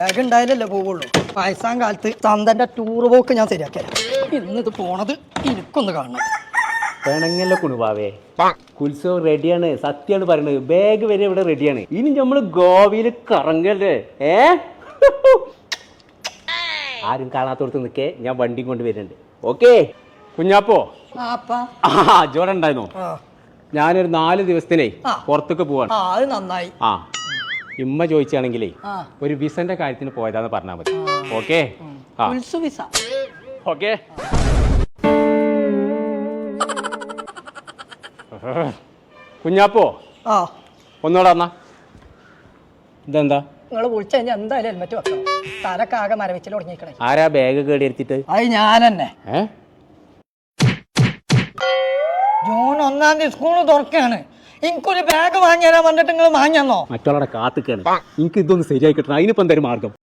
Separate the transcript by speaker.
Speaker 1: Bag ഉണ്ടായാലല്ലേ പോവുള്ളൂ. വയസ്സാം കാലത്ത് തന്തന്റെ ടൂർ പോക്ക് ഞാൻ ശരിയാക്കിയ ഇന്നിത് പോണത് എനിക്കൊന്ന് കാണണം.
Speaker 2: പെണങ്ങല്ല കുണുവാവേ, ഉത്സവം റെഡിയാണ്, സത്യമാണ് പറയുന്നത്. ബാഗ് വരെ ഇവിടെ റെഡിയാണ്. ഇനി നമ്മള് ഗോവയിൽ കറങ്ങല്ലേ. ആരും കാണാത്തോടത്ത് നിൽക്കേ, ഞാൻ വണ്ടി കൊണ്ട് വരുന്നുണ്ട്. ഓക്കെ കുഞ്ഞാപ്പോ, ജോടെ ഉണ്ടായിരുന്നോ? ഞാനൊരു 4 ദിവസത്തിനേ പുറത്തേക്ക് പോവാണ്.
Speaker 1: അത് നന്നായി.
Speaker 2: ഇമ്മ ചോദിച്ചാണെങ്കിലേ ഒരു വിസന്റെ കാര്യത്തിന് പോയതാന്ന് പറഞ്ഞാൽ മതി. Okay okay. കുഞ്ഞാപ്പോ ഒന്നോടാ എന്നാ. ഇതെന്താ
Speaker 1: നിങ്ങൾ വിളിച്ചു കഴിഞ്ഞാൽ എന്തായാലും ഹെൽമെറ്റ് വെക്കണം. തലക്കാകെ മരവിച്ചിൽ തുടങ്ങിക്കണേ.
Speaker 2: ആരാ ബാഗ് കേടി എടുത്തിട്ട്?
Speaker 1: അത് ഞാൻ തന്നെ. ജൂൺ 1-ാം തീയതി സ്കൂള് തുറക്കാണ്. എനിക്കൊരു ബാഗ് വാങ്ങിയാ പറഞ്ഞിട്ട് നിങ്ങൾ വാങ്ങിയെന്നോ?
Speaker 2: മറ്റുള്ളവരുടെ കാത്തിക്കാണ്. എനിക്ക് ഇതൊന്ന് ശരിയായി കിട്ടണം. അതിനിപ്പോ എന്തായാലും മാർഗം.